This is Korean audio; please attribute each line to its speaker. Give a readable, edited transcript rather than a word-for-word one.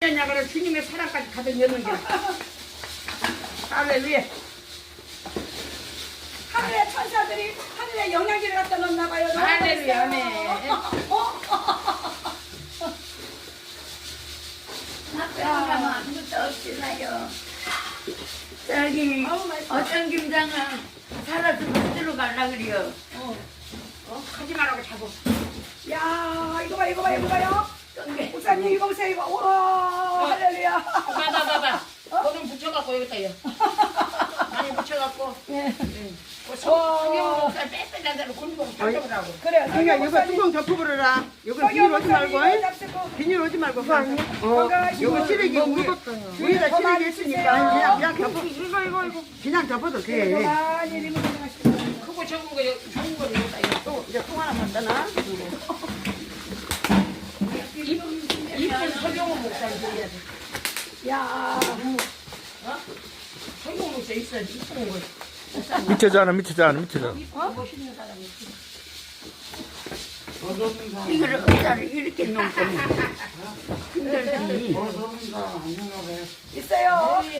Speaker 1: 그래 주님의 사랑까지 가득 넣는 게. 할렐루야.
Speaker 2: 하늘의 천사들이 하늘의 영양제를 갖다 놓나 봐요. 너무
Speaker 1: 할렐루야.
Speaker 2: 맛있어요.
Speaker 3: 나빼고나면 아무것도 없지나요. 저기
Speaker 2: 아우, 맛있어.
Speaker 3: 어떤 김장은 살아서 붙들어 갈라 그래요.
Speaker 1: 하지 말라고 자고.
Speaker 2: 야, 이거 봐, 이거 봐, 이거 봐요.
Speaker 3: 똥개.
Speaker 2: 목사님 이거 보세요, 이거. 우와, 할렐루야.
Speaker 1: 봐봐. 거좀 붙여갖고 여기다 요. 많이 붙여갖고.
Speaker 2: 예.
Speaker 1: 성경 목살 빼빼한 대로 굴리고 잡으라고.
Speaker 2: 그래요.
Speaker 4: 그러니까 이거 뚜껑 덮어버려라. 이거 비닐 오지 말고. 비닐 오지 말고. 이거 쓰레기 위에다 쓰레기 있으니까 그냥 덮어. 이거. 그냥 덮어도 돼.
Speaker 2: 많이 리모델링 하시고.
Speaker 1: 크고 적은 거 좋은 거를 여기다 요.
Speaker 4: 또 이제 통 하나만 떠나.
Speaker 1: 이쁜 성경 목살 드려야 돼.
Speaker 2: 야,
Speaker 1: 성경 목살 있어야지 이쁜 거.
Speaker 5: 밑에잖아.
Speaker 1: 멋있는 사람이 있지.
Speaker 3: 이거를 의자를 이렇게 놓고 힘들지.
Speaker 2: 있어요.